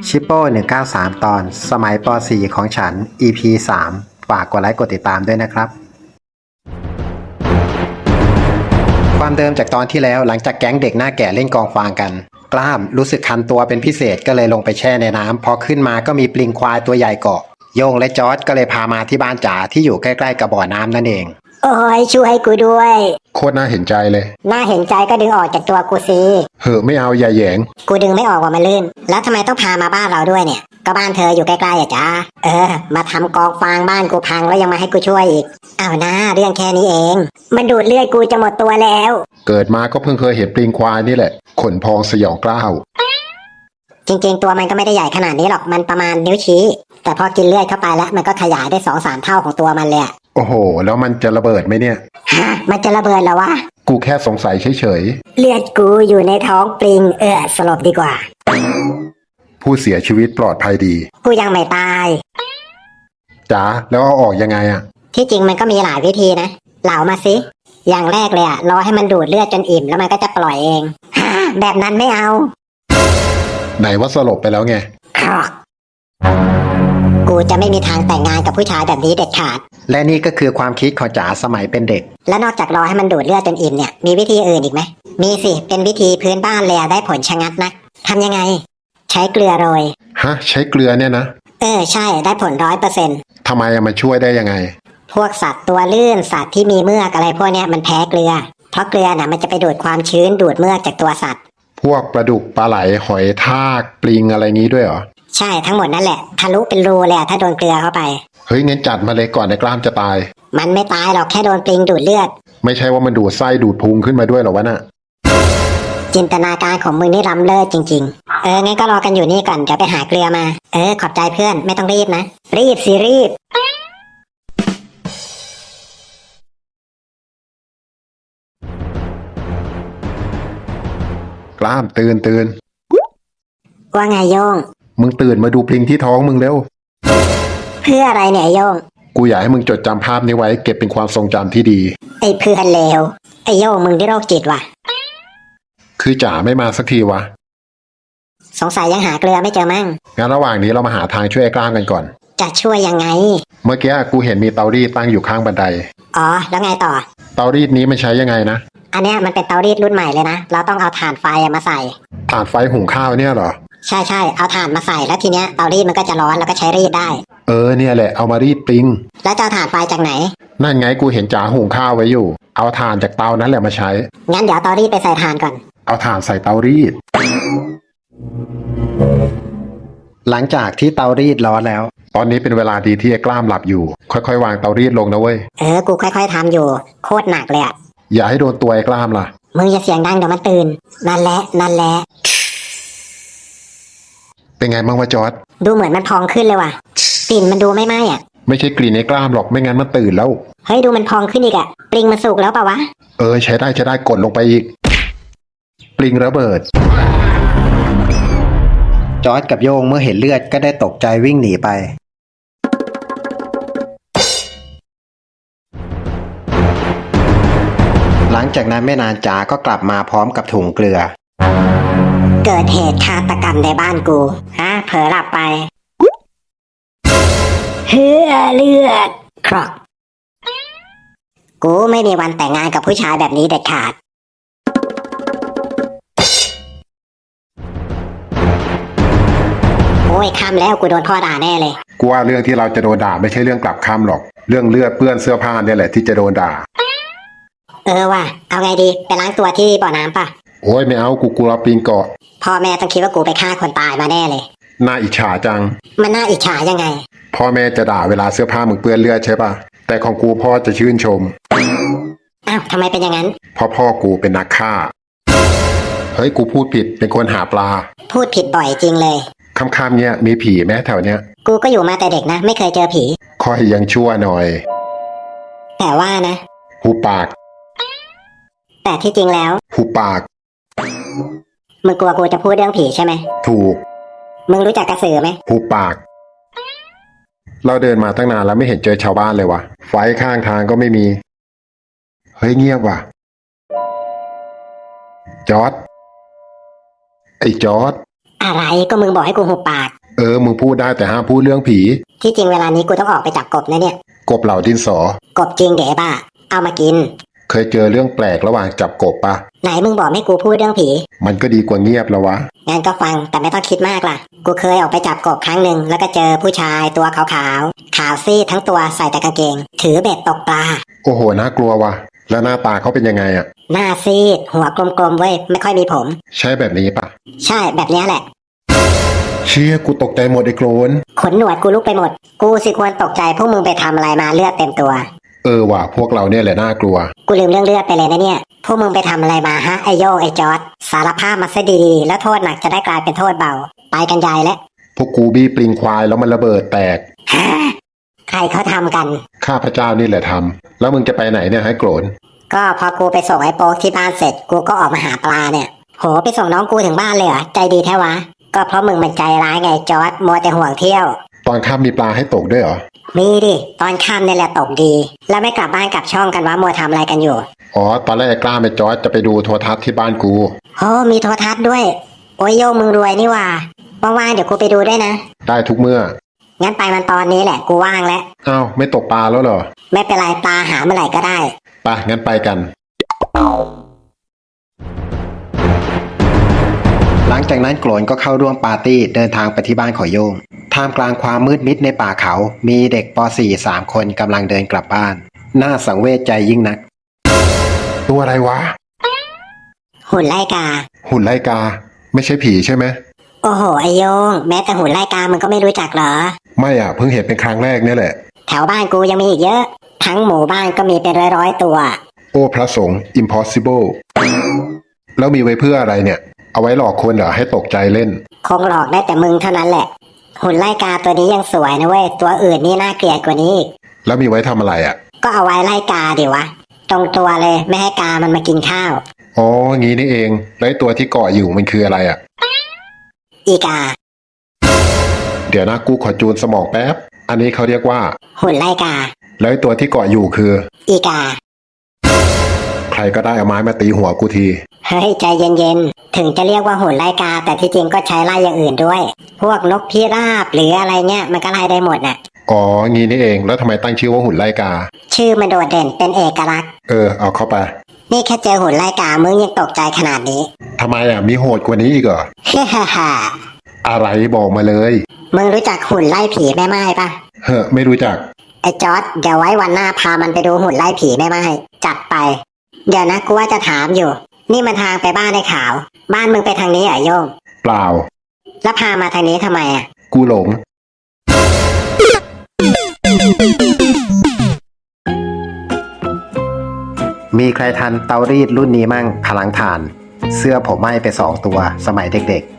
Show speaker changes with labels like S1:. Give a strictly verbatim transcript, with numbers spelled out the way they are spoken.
S1: ชิปโป้หนึ่งเก้าสามตอนสมัยป .สี่ ของฉัน อี พี สาม ฝากกดไลค์กดติดตามด้วยนะครับความเดิมจากตอนที่แล้วหลังจากแก๊งเด็กหน้าแก่เล่นกองฟางกันกล้ามรู้สึกคันตัวเป็นพิเศษก็เลยลงไปแช่ในน้ำพอขึ้นมาก็มีปลิงควายตัวใหญ่เกาะโยงและจอร์จก็เลยพามาที่บ้านจ๋าที่อยู่ใกล้ๆกับบ่อน้ำนั่นเอง
S2: โอ้ยช่วยกูด้วย
S3: โคตรน่าเห็นใจเลย
S2: น่าเห็นใจก็ดึงออกจากตัวกูสิ
S3: เหอะไม่เอาอย่าแหยง
S2: กูดึงไม่ออกว่ามันลื่นแล้วทำไมต้องพามาบ้านเราด้วยเนี่ยก็บ้านเธออยู่ใกล้ๆอ่ะจ้าเออมาทำกองฟางบ้านกูพังแล้วยังมาให้กูช่วยอีกอ้าวนะเรื่องแค่นี้เองมันดูดเลือดกูจะหมดตัวแล้ว
S3: เกิดมาก็เพิ่งเคยเห็นปลิงควายนี่แหละขนพองสยองกล้าว
S2: จริงๆตัวมันก็ไม่ได้ใหญ่ขนาดนี้หรอกมันประมาณนิ้วชี้แต่พอกินเลือดเข้าไปแล้วมันก็ขยายได้สองสามเท่าของตัวมันเลย
S3: โอ้โหแล้วมันจะระเบิดไหมเนี่ย
S2: ฮะมันจะระเบิดเหรอวะ
S3: กูแค่สงสัยเฉย
S2: ๆเลือดกูอยู่ในท้องปลิงเออสลบดีกว่า
S3: ผู้เสียชีวิตปลอดภัยดี
S2: กูยังไม่ตาย
S3: จ๋าแล้วเอาออกยังไงอะ
S2: ที่จริงมันก็มีหลายวิธีนะเหลามาสิอย่างแรกเลยอะรอให้มันดูดเลือดจนอิ่มแล้วมันก็จะปล่อยเองฮะแบบนั้นไม่เอา
S3: ไหนว่าสลบไปแล้วไง
S2: กูจะไม่มีทางแต่งงานกับผู้ชายแบบนี้เด็ดขาด
S1: และนี่ก็คือความคิดของจ๋าสมัยเป็นเด็ก
S2: แล้วนอกจากรอให้มันดูดเลือดจนอิ่มเนี่ยมีวิธีอื่นอีกไหมมีสิเป็นวิธีพื้นบ้านเลยได้ผลชะงัดนักทำยังไงใช้เกลือโรย
S3: ฮะใช้เกลือเนี่ยนะ
S2: เออใช่ได้ผลร้อยเปอร์เซ็นต์
S3: ทำไมมันช่วยได้ยังไง
S2: พวกสัตว์ตัวลื่นสัตว์ที่มีเมือกอะไรพวกเนี้ยมันแพ้เกลือเพราะเกลือน่ะมันจะไปดูดความชื้นดูดเมือกจากตัวสัตว์
S3: พวกปลาดุกปลาไหลหอยทากปลิงอะไรงี้ด้วยเหรอ
S2: ใช่ทั้งหมดนั่นแหละทะลุเป็นรูเลยถ้าโดนเกลือเข้าไป
S3: เฮ้ยงั้นจัดมาเลยก่อนในกล้ามจะตาย
S2: มันไม่ตายหรอกแค่โดนปลิงดูดเลือด
S3: ไม่ใช่ว่ามันดูดไส้ดูดพุงขึ้นมาด้วยหรอวะน่ะ
S2: จินตนาการของมึงนี่ล้ำเลิศจริงๆเอองั้นก็รอกันอยู่นี่ก่อนเดี๋ยวไปหาเกลือมาเออขอบใจเพื่อนไม่ต้องรีบนะรีบสิรีบ
S3: กล้ามตื่นตื่น
S2: ว่าไงโยง
S3: มึงตื่นมาดูปลิงที่ท้องมึงเร็ว
S2: เพื่ออะไรเนี่ยโยง
S3: กูอยากให้มึงจดจำภาพนี้ไว้เก็บเป็นความทรงจำที่ดี
S2: ไอ้เพื่อนเลวไอ้โยงมึงที่โรคจิตว่ะ
S3: คือจ๋าไม่มาสักทีวะ
S2: สงสัยยังหาเกลือไม่เจอมั่ง
S3: งั้นระหว่างนี้เรามาหาทางช่วยไอ้กล้ามกันก่อน
S2: จะช่วยยังไง
S3: เมื่อกี้กูเห็นมีเตารีดตั้งอยู่ข้างบันได
S2: อ๋อแล้วไงต่อ
S3: เตารีดนี้มันใช้ยังไงนะ
S2: อันเนี้ยมันเป็นเตารีดรุ่นใหม่เลยนะเราต้องเอาถ่านไฟมาใส่
S3: ถ่านไฟหุงข้าวเนี่ยเหรอ
S2: ใช่ใช่เอาถ่านมาใส่แล้วทีเนี้ยเตารีดมันก็จะร้อนแล้วก็ใช้รีดได้
S3: เออเนี่ยแหละเอามารีดปลิง
S2: แล้วจะเอาถ่านไฟจากไหน
S3: นั่นไงกูเห็นจ๋าหุงข้าวไว้อยู่เอาถ่านจากเตานั้นแหละมาใช้
S2: งั้นเดี๋ยวเตารีดไปใส่ถ่านก่อน
S3: เอาถ่านใส่เตารีด
S1: หลังจากที่เตารีดร้อนแล้ว
S3: ตอนนี้เป็นเวลาดีที่ไอ้กล้ามหลับอยู่ค่อยๆวางเตารีดลงนะเว้ย
S2: เออกูค่อยๆทำอยู่โคตรหนักเลยอะ
S3: อย่าให้โดนตัวไอ้กล้ามล่ะ
S2: มึงอย่าเสียงดังเดี๋ยวมันตื่นนั่นแหละนั่นแหละ
S3: เป็นไงบ้างวะจอร์จ
S2: ดูเหมือนมันพองขึ้นเลยว่ะกลิ่นมันดูไม่ไหม้อะ
S3: ไม่ใช่กลิ่นไอ้กล้ามหรอกไม่งั้นมันตื่นแล้ว
S2: เฮ้ยดูมันพองขึ้นอีกอะปลิงมันสุกแล้วป่าวะ
S3: เออใช้ได้ใช้ได้กดลงไปอีกปลิงระเบิด
S1: จอร์จกับโยงเมื่อเห็นเลือดก็ได้ตกใจวิ่งหนีไปหลังจากนั้นไม่นานจ๋าก็กลับมาพร้อมกับถุงเกลือ
S2: เกิดเหตุฆาตกรรมในบ้านกูฮะเผลอหลับไปเฮือเลือดครอกกูไม่มีวันแต่งงานกับผู้ชายแบบนี้เด็ดขาดโอ้ยค่ำแล้วกูโดนพ่อด่าแน่เลย
S3: กูว่าเรื่องที่เราจะโดนด่าไม่ใช่เรื่องกลับค่ำหรอกเรื่องเลือดเปื้อนเสื้อผ้าเนี่ยแหละที่จะโดนด่า
S2: เออว่ะเอาไงดีไปล้างตัวที่บ่อน้ำป่ะ
S3: โอ้ยไม่เอากูกลัวปลิงเกาะ
S2: พ่อแม่ต้องคิดว่ากูไปฆ่าคนตายมาแน่เลย
S3: น่าอิจฉาจัง
S2: มันน่าอิจฉายังไง
S3: พ่อแม่จะด่าเวลาเสื้อผ้ามึงเปื้อนเลือดใช่ป่ะแต่ของกูพ่อจะชื่นชม
S2: อ้าวทำไมเป็นอย่างนั้น
S3: เพราะพ่อกูเป็นนักฆ่าเฮ้ยกูพูดผิดเป็นคนหาปลา
S2: พูดผิดบ่อยจริงเลย
S3: ค่ำๆเนี่ยมีผีไหมแถวเนี้ย
S2: กูก็อยู่มาแต่เด็กนะไม่เคยเจอผี
S3: ค่อยยังชั่วหน่อย
S2: แต่ว่านะ
S3: หูปาก
S2: แต่ที่จริงแล้ว
S3: หูปาก
S2: มึงกลัวกูจะพูดเรื่องผีใช่ไหม
S3: ถูก
S2: มึงรู้จักกระสือไหม
S3: หูปากเราเดินมาตั้งนานแล้วไม่เห็นเจอชาวบ้านเลยวะไฟข้างทางก็ไม่มีเฮ้ยเงียบว่ะจอร์จไอ้จอร์จ
S2: อะไรก็มึงบอกให้กูหุบปาก
S3: เออมึงพูดได้แต่ห้ามพูดเรื่องผี
S2: ที่จริงเวลานี้กูต้องออกไปจับกบนะเนี่ย
S3: กบเหล่าดินสอ
S2: กบจริงเด๋บ้าเอามากิน
S3: เคยเจอเรื่องแปลกระหว่างจับกบปะ
S2: ไหนมึงบอกให้กูพูดเรื่องผี
S3: มันก็ดีกว่าเงียบแล้ววะ
S2: งั้นก็ฟังแต่ไม่ต้องคิดมากล่ะ กูเคยออกไปจับกบครั้งหนึ่งแล้วก็เจอผู้ชายตัวขาวๆขาวซีดทั้งตัวใส่แต่กางเกง ถือเบ็ดตกปลา
S3: โอ้โหน่ากลัววะแล้วหน้าตาเขาเป็นยังไงอะ
S2: หน้าซีดหัวกลมๆเว้ยไม่ค่อยมีผม
S3: ใช่แบบนี้ปะ
S2: ใช่แบบเนี้ยแหละ
S3: เชี่ยกูตกใจหมดไอ้โกรน
S2: ขนหนวดกูลุกไปหมด กูสิควรตกใจพวกมึงไปทำอะไรมาเลือดเต็มตัว
S3: เออว่ะพวกเราเนี่ยแหละน่ากลัว
S2: กูลืมเรื่องเลือดไปเลยนะเนี่ย พวกมึงไปทำอะไรมาฮะไอโยงไอจอร์ดสารภาพมาซะดีๆแล้วโทษหนักจะได้กลายเป็นโทษเบา ไปกันใหญ่แล้ว
S3: พวกกูบี้ปลิงควายแล้วมันระเบิดแตก
S2: ฮะใครเขาทำกัน
S3: ข้าพเจ้านี่แหละทำแล้วมึงจะไปไหนเนี่ยให้โกรน
S2: ก็พอกูไปส่งไอ้โป๊กที่บ้านเสร็จกูก็ออกมาหาปลาเนี่ย โหไปส่งน้องกูถึงบ้านเลยเหรอใจดีแท้วะ ก็เพราะมึงมันใจร้ายไงจอร์ดมัวแต่ห่วงเที่ยว
S3: ตอนค่ำมีปลาให้ตกด้วยเหรอ
S2: มีดิตอนค่ำเนี่ยแหละตกดี แล้วไม่กลับบ้านกลับช่องกันวะมัวทำอะไรกันอยู่
S3: อ๋อตอนแรกไอ้กล้าไปจอร์จจะไปดูโทรทัศน์ที่บ้านกู
S2: โหมีโทรทัศน์ด้วย โอ้ยโยงมึงรวยนี่หว่าว่างๆเดี๋ยวกูไปดูด้วยนะ
S3: ได้ทุกเมื่อ
S2: งั้นไปมันตอนนี้แหละกูว่างแล้ว
S3: อ้าวไม่ตกปลาแล้วเหรอ
S2: ไม่เป็นไรปลาหาเมื่อไหร่ก็ได้
S3: ไปงั้นไปกัน
S1: หลังจากนั้นโกรนก็เข้าร่วมปาร์ตี้เดินทางไปที่บ้านของโยงท่ามกลางความมืดมิดในป่าเขา มีเด็กป .สี่ สามคนกำลังเดินกลับบ้าน น่าสังเวชใจยิ่งนัก
S3: ตัวอะไรวะ
S2: หุ่นไล่กา
S3: หุ่นไล่กา ไม่ใช่ผีใช่ไหม
S2: โอ้โหไอโยง แม้แต่หุ่นไล่กามึงก็ไม่รู้จักเหรอ
S3: ไม่อ่ะเพิ่งเห็นเป็นครั้งแรกเนี่ยแหละ
S2: แถวบ้านกูยังมีอีกเยอะ ทั้งหมู่บ้านก็มีเป็นร้อยๆตัว
S3: โอ้พระสงฆ์ impossible แล้วมีไว้เพื่ออะไรเนี่ย เอาไว้หลอกคนเหรอให้ตกใจเล่น
S2: คงหลอกได้แต่มึงเท่านั้นแหละ หุ่นไล่กาตัวนี้ยังสวยนะเว้ย ตัวอื่นนี่น่าเกลียดกว่านี้อีก
S3: แล้วมีไว้ทำอะไรอ่ะ
S2: ก็เอาไว้ไล่กาดิวะ ตรงตัวเลยไม่ให้กามันมากินข้าว
S3: อ๋องี้นี่เองแล้วไอ้ตัวที่เกาะอยู่มันคืออะไรอ่ะ
S2: อีกา
S3: เดี๋ยวนะกูขอจูนสมองแป๊บ อันนี้เขาเรียกว่า
S2: หุ่นไล่กา
S3: แล้วไอ้ตัวที่เกาะอยู่คือ
S2: อีกา
S3: ใครก็ได้เอาไม้มาตีหัวกูที
S2: เฮ้ยใจเย็นๆ ถึงจะเรียกว่าหุ่นไล่กา แต่ที่จริงก็ใช้ไล่อย่างอื่นด้วย พวกนกพิราบหรืออะไรเงี้ยมันก็ไล่ได้หมดน่ะ
S3: อ๋องี้นี่เองแล้วทำไมตั้งชื่อว่าหุ่นไล่กา
S2: ชื่อมันโดดเด่นเป็นเอกลักษณ์
S3: เออเอาเข้าไป
S2: นี่แค่เจอหุ่นไล่กามึงยังตกใจขนาดนี้
S3: ทำไมอ่ะมีโหดกว่านี้อีกเหรอ
S2: เฮ้ฮ่าฮ่า
S3: อะไรบอกมาเลย
S2: มึงรู้จักหุ่นไล่ผีแม่ไม้ปะ
S3: เฮ้อไม่รู้จัก
S2: ไอ้จอร์ดเดี๋ยวไว้วันหน้าพามันไปดูหุ่นไล่ผีแม่ไม้จัดไป เดี๋ยวนะกูว่าจะถามอยู่ นี่มันทางไปบ้านไอ้ขาว บ้านมึงไปทางนี้เหรอโยง
S3: เปล่า
S2: แล้วพามาทางนี้ทำไมอ่ะ
S3: กูหลง
S1: มีใครทันเตารีดรุ่นนี้มั่งพลังถ่าน เสื้อผมไหม้ไปสองตัวสมัยเด็กๆ